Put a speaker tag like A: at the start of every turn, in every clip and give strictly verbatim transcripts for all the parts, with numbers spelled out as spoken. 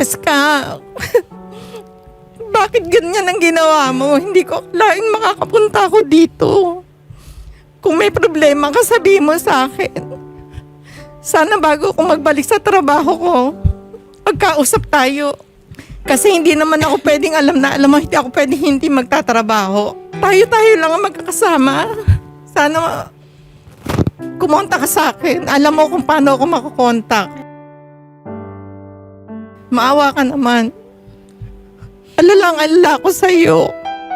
A: Cheska, bakit ganyan ang ginawa mo? Hindi ko akalain makakapunta ako dito. Kung may problema ka, sabihin mo sa akin. Sana bago ako magbalik sa trabaho ko, magkausap tayo. Kasi hindi naman ako pwedeng alam na alam mo, hindi ako pwedeng hindi magtatrabaho. Tayo-tayo lang ang magkakasama. Sana kumonta ka sa akin. Alam mo kung paano ako makukontak. Maawa ka naman. Alalang alala ko sa'yo.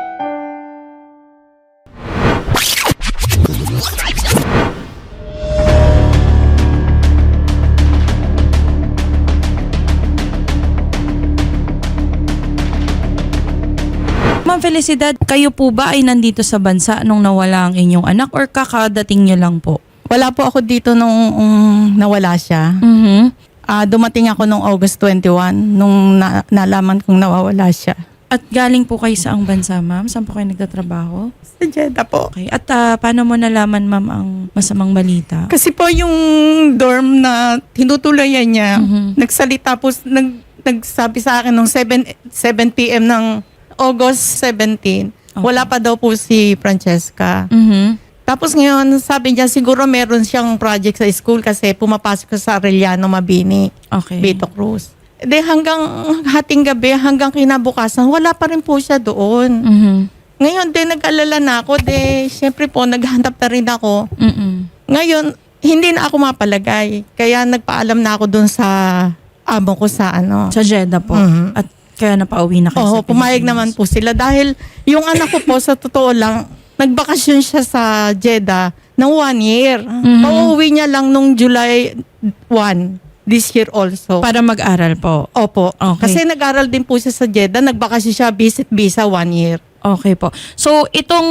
B: Ma'am Felicidad, kayo po ba ay nandito sa bansa nung nawala ang inyong anak or kakadating niyo lang po?
A: Wala po ako dito nung um, nawala siya.
B: Mm-hmm.
A: Uh, dumating ako nung August twenty-first nung na- nalaman kong nawawala siya.
B: At galing po kayo sa ang bansa, ma'am? Saan po kayo nagtatrabaho?
A: Sa Jeddah po.
B: Okay. At uh, paano mo nalaman, ma'am, ang masamang balita?
A: Kasi po yung dorm na tinutulayan niya,
B: Mhm.
A: nagsalita po, nag, nagsabi sa akin nung seven p.m. ng August seventeenth,
B: Okay.
A: wala pa daw po si Francesca.
B: Mhm.
A: Tapos ngayon, sabi niya siguro meron siyang project sa school kasi pumapasok ka sa Arellano, Mabini,
B: Okay.
A: Vito Cruz. De hanggang hating gabi, hanggang kinabukasan, wala pa rin po siya doon.
B: Mhm.
A: Ngayon, de nag-alala na ako, de syempre po, naghanap na rin ako.
B: Mhm.
A: Ngayon, hindi na ako mapalagay. Kaya nagpaalam na ako doon sa amo ko sa ano.
B: Sa Jeddah po.
A: Mhm.
B: At kaya napauwi na kayo
A: Oo,
B: sa
A: pumayag
B: Pilipinas.
A: naman po sila. Dahil yung anak ko po, sa totoo lang, nagbakasyon siya sa Jeddah ng one year.
B: Mhm.
A: Pauwi niya lang nung July first this year also.
B: Para mag-aral po.
A: Opo.
B: Okay.
A: Kasi nag-aral din po siya sa Jeddah. Nagbakasyon siya, visit visa one year.
B: Okay po. So, itong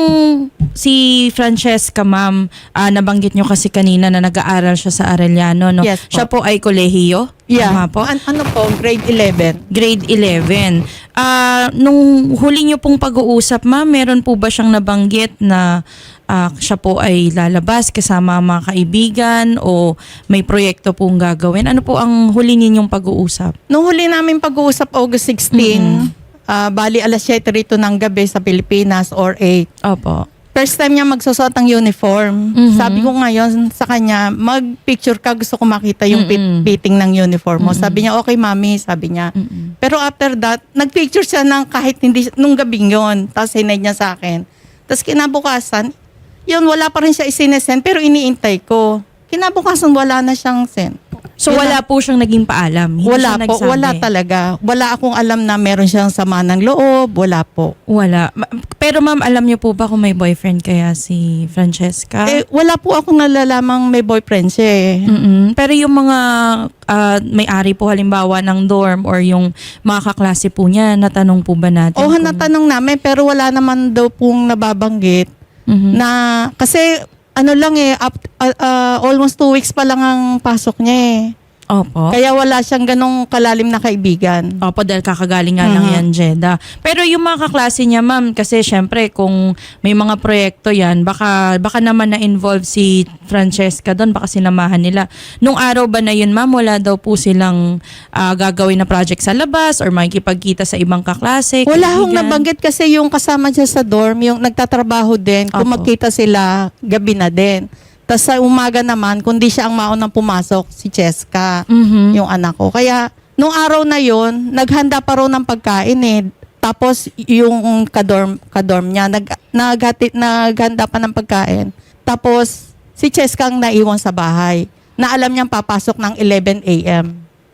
B: si Francesca, ma'am, ah, nabanggit nyo kasi kanina na nag-aaral siya sa Arellano, no?
A: Yes po.
B: Siya po ay kolehiyo? Tama po?
A: An- ano po, grade eleven.
B: Grade eleven. Ah, nung huli nyo pong pag-uusap, ma'am, meron po ba siyang nabanggit na ah, siya po ay lalabas kasama ang mga kaibigan o may proyekto pong gagawin? Ano po ang huli ninyong pag-uusap?
A: Nung huli namin pag-uusap August sixteenth, ah, bali alas siyete rito ng gabi sa Pilipinas or eight.
B: Opo.
A: First time niya magsusot ng uniform.
B: Mhm.
A: Sabi ko ngayon sa kanya, mag-picture ka, gusto ko makita yung fit-
B: Mm-mm.
A: fitting ng uniform mo. Sabi niya, okay mami, sabi niya.
B: Mm-mm.
A: Pero after that, nag-picture siya ng kahit hindi, nung gabing yon. Tapos sinay niya sa akin. Tapos kinabukasan, yun, wala pa rin siya isinesend, pero iniintay ko. Kinabukasan, wala na siyang send.
B: So,
A: Yun
B: wala po siyang naging paalam? Hindi
A: Wala
B: siya
A: po,
B: nagsabi?
A: wala talaga. Wala akong alam na meron siyang sama ng loob, wala po.
B: Wala. Ma- Pero ma'am, alam niyo po ba kung may boyfriend kaya si Francesca?
A: Eh, wala po akong nalalamang may boyfriend siya eh.
B: Mm-mm. Pero yung mga ah, may-ari po halimbawa ng dorm or yung mga kaklase po niya, natanong po ba natin?
A: Oo,
B: kung-
A: natanong namin, pero wala naman daw pong nababanggit
B: Mhm.
A: na, kasi ano lang eh, up, uh, uh, almost two weeks pa lang ang pasok niya eh.
B: Opo.
A: Kaya wala siyang ganong kalalim na kaibigan.
B: Opo, dahil kakagaling nga lang
A: Mhm.
B: yan, Jeddah. Pero yung mga kaklase niya, ma'am, kasi syempre kung may mga proyekto yan, baka, baka naman na-involve si Francesca doon, baka sinamahan nila. Nung araw ba na yun, ma'am, wala daw po silang ah, gagawin na project sa labas or makikipagkita sa ibang kaklase?
A: Wala hong
B: kaibigan?
A: nabanggit kasi yung kasama siya sa dorm, yung nagtatrabaho din, kung
B: Opo.
A: magkita sila, gabi na din. Tapos sa umaga naman, kundi siya ang maunang pumasok, si Cheska,
B: Mhm.
A: yung anak ko. Kaya, nung araw na yon naghanda pa raw ng pagkain eh. Tapos, yung kadorm, kadorm niya, nag, naghati, naghanda pa ng pagkain. Tapos, si Cheska ang naiwan sa bahay, na alam niyang papasok ng eleven a.m.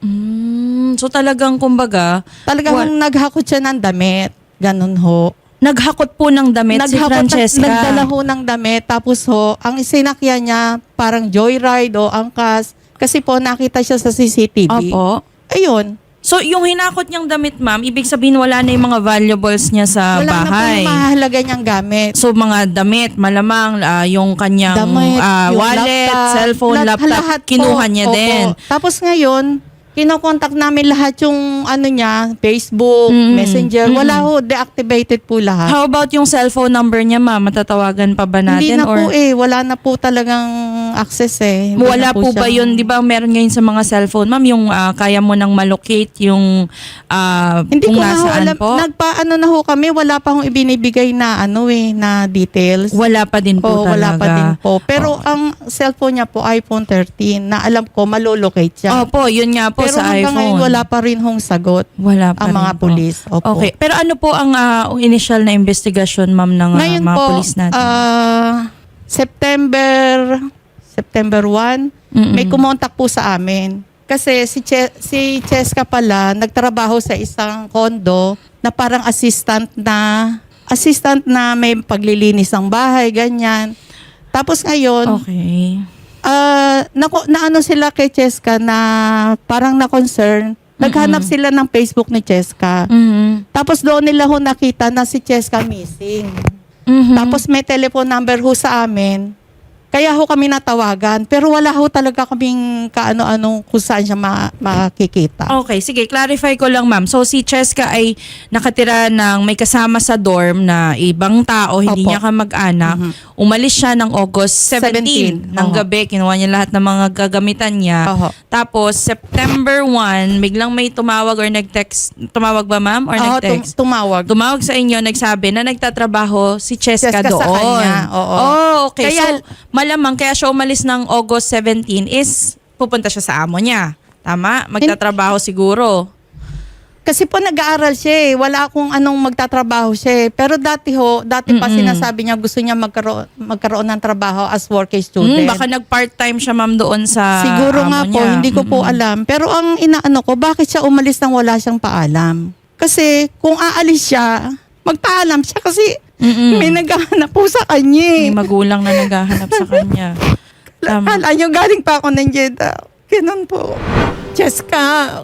B: Mm, so talagang kumbaga,
A: Talagang
B: Wa-
A: naghakot siya ng damit. Ganun ho.
B: naghakot po ng damit si
A: Naghakot,
B: Francesca.
A: nagdala ho ng damit. Tapos ho, ang isinakyan niya, parang joyride o angkas. Kasi po, nakita siya sa C C T V.
B: Opo.
A: Ayun.
B: So, yung hinakot niyang damit, ma'am, ibig sabihin wala na yung mga valuables niya sa
A: Wala na po
B: bahay.
A: yung mahalaga niyang gamit.
B: So, mga damit, malamang ah, yung kanyang
A: Damit,
B: ah,
A: yung
B: wallet,
A: laptop,
B: cellphone,
A: lahat-
B: laptop,
A: lahat po.
B: kinuha niya
A: Opo.
B: din.
A: Tapos ngayon, Kinokontak namin lahat yung ano niya, Facebook,
B: Mm.
A: Messenger. Wala ho, deactivated po lahat.
B: How about yung cellphone number niya, ma'am? Matatawagan pa ba
A: Hindi
B: natin?
A: na po eh. Wala na po talagang access eh. Hindi
B: Wala
A: na
B: po ba
A: siya-
B: yun? Di ba meron ngayon sa mga cellphone, ma'am, yung ah, kaya mo nang malocate yung ah,
A: Hindi
B: kung
A: ko na ho
B: nasaan
A: alam.
B: po?
A: Nagpaano na ho kami, wala pa hong ibinibigay na ano eh, na details.
B: Wala pa din po
A: Oo,
B: talaga.
A: wala pa din po. Pero
B: Oo.
A: ang cellphone niya po, iPhone thirteen, na alam ko, malolocate siya.
B: Opo, yun nga po
A: Pero
B: sa
A: hanggang
B: iPhone.
A: ngayon, wala pa rin hong sagot
B: Wala pa
A: ang
B: rin
A: mga
B: po.
A: pulis. Opo.
B: Okay. Pero ano po ang ah, initial na investigasyon, ma'am, ng ah,
A: Ngayon
B: mga
A: po,
B: pulis natin?
A: ah, September September first,
B: Mm-mm.
A: may kumontak po sa amin. Kasi si, che, si Cheska pala, nagtrabaho sa isang kondo na parang assistant na, assistant na may paglilinis ng bahay, ganyan. Tapos ngayon,
B: Okay.
A: ah na, na ano sila kay Cheska na parang na-concern. Naghanap
B: Mm-mm.
A: sila ng Facebook ni Cheska.
B: Mhm.
A: Tapos doon nila ho nakita na si Cheska missing.
B: Mhm.
A: Tapos may telephone number ho sa amin. Kaya ho kami natawagan. Pero wala ho talaga kaming kaano-ano kung saan siya ma- makikita.
B: Okay, sige, clarify ko lang, ma'am. So si Cheska ay nakatira ng may kasama sa dorm na ibang tao, hindi
A: Opo.
B: niya kamag-anak.
A: Mhm.
B: Umalis siya ng August seventeenth
A: seventeen.
B: ng
A: Oho.
B: gabi. Kinuha niya lahat ng mga gagamitan niya.
A: Oho.
B: Tapos September first, biglang may tumawag or nag-text. Tumawag ba, ma'am? Or
A: Oo, tum-
B: nag-text?
A: tumawag.
B: Tumawag sa inyo, nagsabi na nagtatrabaho si Cheska,
A: Cheska
B: doon.
A: sa kanya, oo.
B: Oh, okay.
A: Kaya-
B: so, malamang kaya siya umalis ng August seventeenth is pupunta siya sa amo niya. Tama? Magtatrabaho siguro.
A: Kasi po nag-aaral siya eh. Wala akong anong magtatrabaho siya eh. Pero dati ho, dati pa
B: Mm-mm.
A: sinasabi niya gusto niya magkaroon, magkaroon ng trabaho as working student.
B: Mm, baka nag-part-time siya, ma'am, doon sa
A: Siguro
B: amo
A: nga po,
B: niya.
A: hindi ko po
B: Mm-mm.
A: alam. Pero ang inaano ko, bakit siya umalis nang wala siyang paalam? Kasi kung aalis siya, magpaalam siya kasi
B: Mm-mm.
A: may naghahanap po sa kanya.
B: May magulang na naghahanap sa kanya. Tama.
A: Kala nyo, galing pa ako ng Jeddah. Ganun po. Cheska,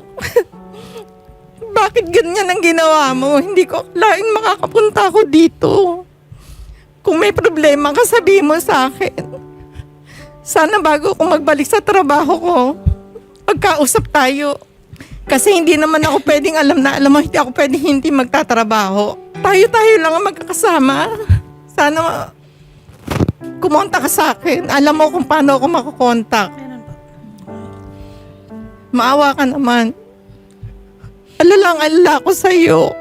A: bakit ganyan ang ginawa mo? Hindi ko akalaing makakapunta ako dito. Kung may problema ka, sabihin mo sa akin. Sana bago ako magbalik sa trabaho ko, magkausap tayo. Kasi hindi naman ako pwedeng alam na alam mo, hindi ako pwedeng hindi magtatrabaho. Tayo-tayo lang ang magkakasama. Sana kumonta ka sa akin. Alam mo kung paano ako makakontak. Maawa ka naman. Alalang alala ko sa'yo.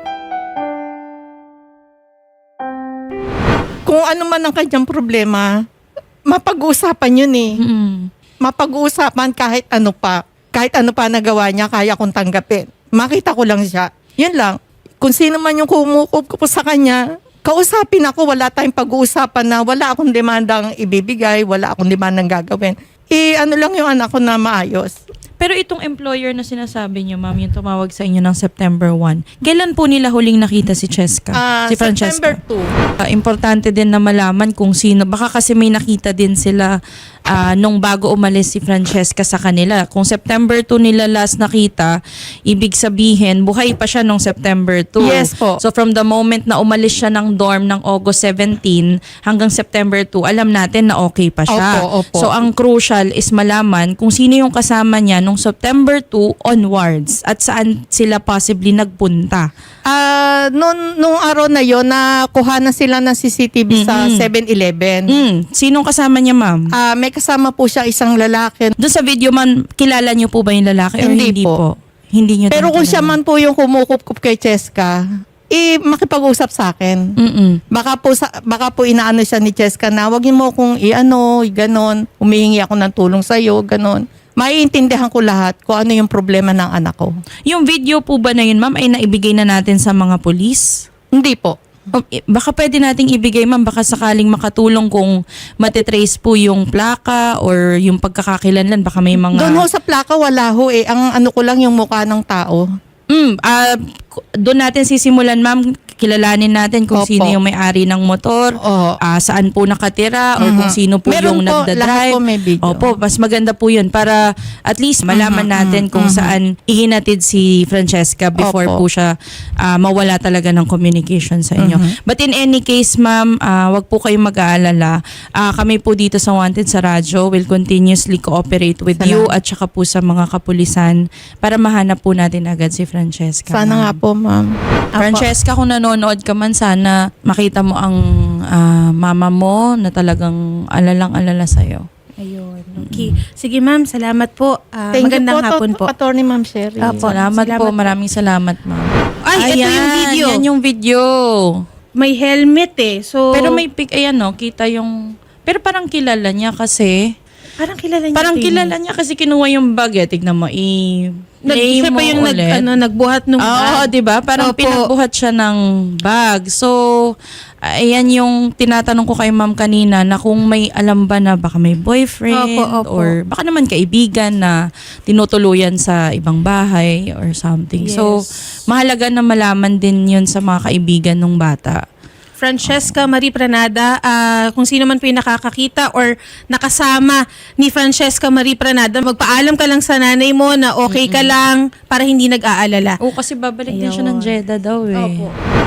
A: Kung ano man ang kanyang problema, mapag-uusapan yun eh.
B: Mm-mm.
A: Mapag-uusapan kahit ano pa. Kahit ano pa nagawa niya, kaya kong tanggapin. Makita ko lang siya. Yun lang. Kung sino man yung kumukup ko po sa kanya, kausapin ako, wala tayong pag-uusapan na wala akong demandang ibibigay, wala akong demandang gagawin. Eh, ano lang yung anak ko na maayos.
B: Pero itong employer na sinasabi niyo, ma'am, yung tumawag sa inyo ng September first, kailan po nila huling nakita si Cheska?
A: Ah,
B: si Francesca?
A: September second.
B: Ah, importante din na malaman kung sino. Baka kasi may nakita din sila ah, nung bago umalis si Francesca sa kanila. Kung September second nila last nakita, ibig sabihin, buhay pa siya nung September second.
A: Yes po.
B: So from the moment na umalis siya ng dorm ng August seventeenth hanggang September second, alam natin na okay pa siya.
A: Opo, opo.
B: So ang crucial is malaman kung sino yung kasama niya nung September second onwards at saan sila possibly nagpunta.
A: Ah, noon nung araw na yon na kuha na sila ng C C T V sa
B: Mhm.
A: seven eleven.
B: Mm, sinong kasama niya, ma'am?
A: Ah, may kasama po siya isang lalaki.
B: Doon sa video man, kilala niyo po ba yung lalaki or
A: Hindi
B: hindi
A: po.
B: po? Hindi niyo
A: Pero
B: din
A: kung
B: kilala.
A: siya man po yung kumukup-kup kay Cheska, eh makipag-usap sa akin.
B: Mm-mm.
A: Baka po sa, baka po inaano siya ni Cheska na wag mo kung i-ano, ganon, humihingi ako ng tulong sa iyo, ganon. Maiintindihan ko lahat kung ano yung problema ng anak ko.
B: Yung video po ba na yun, ma'am, ay naibigay na natin sa mga polis?
A: Hindi po.
B: O, eh, baka pwede nating ibigay, ma'am, baka sakaling makatulong kung matitrace po yung plaka or yung pagkakakilanlan, baka may mga...
A: Doon ho sa plaka wala ho eh. Ang ano ko lang yung mukha ng tao.
B: Mm, ah, k- doon natin sisimulan, ma'am. kilalanin natin kung
A: Opo.
B: sino yung may-ari ng motor,
A: Oo.
B: ah, saan po nakatira, or
A: Mhm.
B: kung sino po
A: Meron
B: yung
A: po, lahat
B: nagdadrive.
A: po may video.
B: Opo, mas maganda po yun para at least malaman
A: Mhm,
B: natin
A: mhm,
B: kung
A: mhm.
B: saan ihinatid si Francesca before
A: Opo.
B: po siya ah, mawala talaga ng communication sa inyo.
A: Mhm.
B: But in any case, ma'am, ah, wag po kayong mag-aalala. Ah, kami po dito sa Wanted sa Radyo will continuously cooperate with
A: Salamat.
B: you at saka po sa mga kapulisan para mahanap po natin agad si Francesca.
A: Sana
B: ma'am.
A: nga po, ma'am. Apo.
B: Francesca, kung nanonood ka man, sana makita mo ang ah, mama mo na talagang alalang-alala sa'yo.
C: Ayun. Okay. Sige ma'am, salamat po. Ah,
A: Thank you
C: magandang
A: po,
C: hapon
A: to-
C: po.
A: Attorney Ma'am Sherry.
C: Apo.
B: Salamat,
C: Salamat
B: po.
C: po.
B: Maraming salamat, ma'am.
C: Ay, ito yung video.
B: Yan yung video.
C: May helmet eh. So,
B: Pero may pic, ayan no, kita yung... Pero parang kilala niya kasi...
C: parang kilala niya.
B: Parang
C: ito eh.
B: kilala niya kasi kinuha yung bag. Eh. Tignan mo, i...
C: Nag,
B: play
C: siya
B: mo
C: pa yung nag,
B: ulit.
C: ano, nagbuhat nung
B: Oo,
C: bag.
B: di ba? Parang
C: Opo.
B: pinagbuhat siya ng bag. So, ayan yung tinatanong ko kay ma'am kanina na kung may alam ba na baka may boyfriend
C: Opo, opo.
B: or baka naman kaibigan na tinutuluyan sa ibang bahay or something. So,
C: Yes.
B: mahalaga na malaman din yun sa mga kaibigan ng bata.
C: Francesca Marie Pranada, ah, kung sino man po yung nakakakita or nakasama ni Francesca Marie Pranada, magpaalam ka lang sa nanay mo na okay ka lang para hindi nag-aalala.
B: Oo, kasi babalik din siya ng
C: Ayun.
B: Jeddah daw eh.
C: Opo.